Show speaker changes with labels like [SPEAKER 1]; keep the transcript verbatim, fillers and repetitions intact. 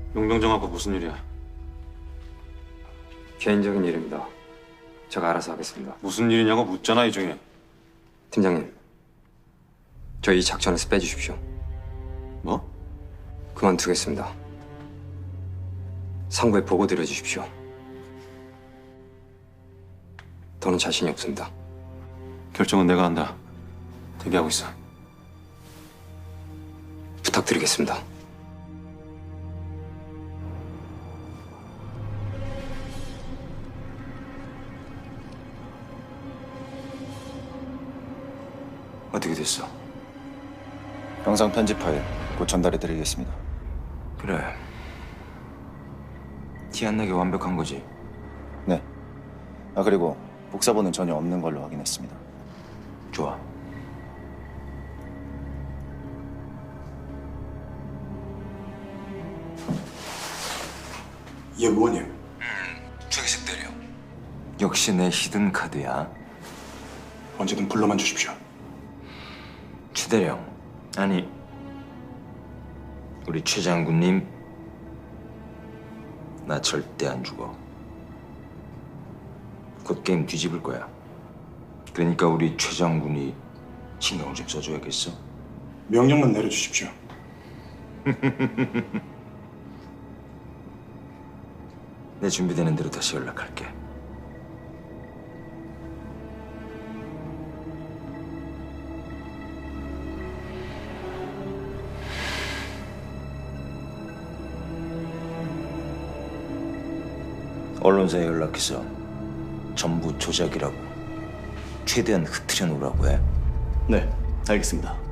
[SPEAKER 1] 용병정하고 무슨 일이야?
[SPEAKER 2] 개인적인 일입니다. 제가 알아서 하겠습니다.
[SPEAKER 1] 무슨 일이냐고 묻잖아, 이중에.
[SPEAKER 2] 팀장님, 저 이 작전에서 빼주십시오.
[SPEAKER 1] 뭐?
[SPEAKER 2] 그만두겠습니다. 상부에 보고 드려주십시오. 더는 자신이 없습니다.
[SPEAKER 1] 결정은 내가 한다. 대기하고 있어.
[SPEAKER 2] 부탁드리겠습니다. 어떻게 됐어?
[SPEAKER 3] 영상 편집 파일 곧 전달해드리겠습니다.
[SPEAKER 2] 그래. 티 안 나게 완벽한 거지?
[SPEAKER 3] 네. 아 그리고 복사본은 전혀 없는 걸로 확인했습니다.
[SPEAKER 2] 좋아.
[SPEAKER 4] 예, 의원님.
[SPEAKER 2] 최기식 대령. 역시 내 히든 카드야.
[SPEAKER 4] 언제든 불러만 주십시오.
[SPEAKER 2] 최 대령. 아니, 우리 최 장군님, 나 절대 안 죽어. 곧 게임 뒤집을 거야. 그러니까 우리 최 장군이 신경을 좀 써줘야겠어.
[SPEAKER 4] 명령만 내려주십시오.
[SPEAKER 2] 내 준비되는 대로 다시 연락할게. 언론사에 연락해서 전부 조작이라고 최대한 흐트려 놓으라고 해.
[SPEAKER 5] 네, 알겠습니다.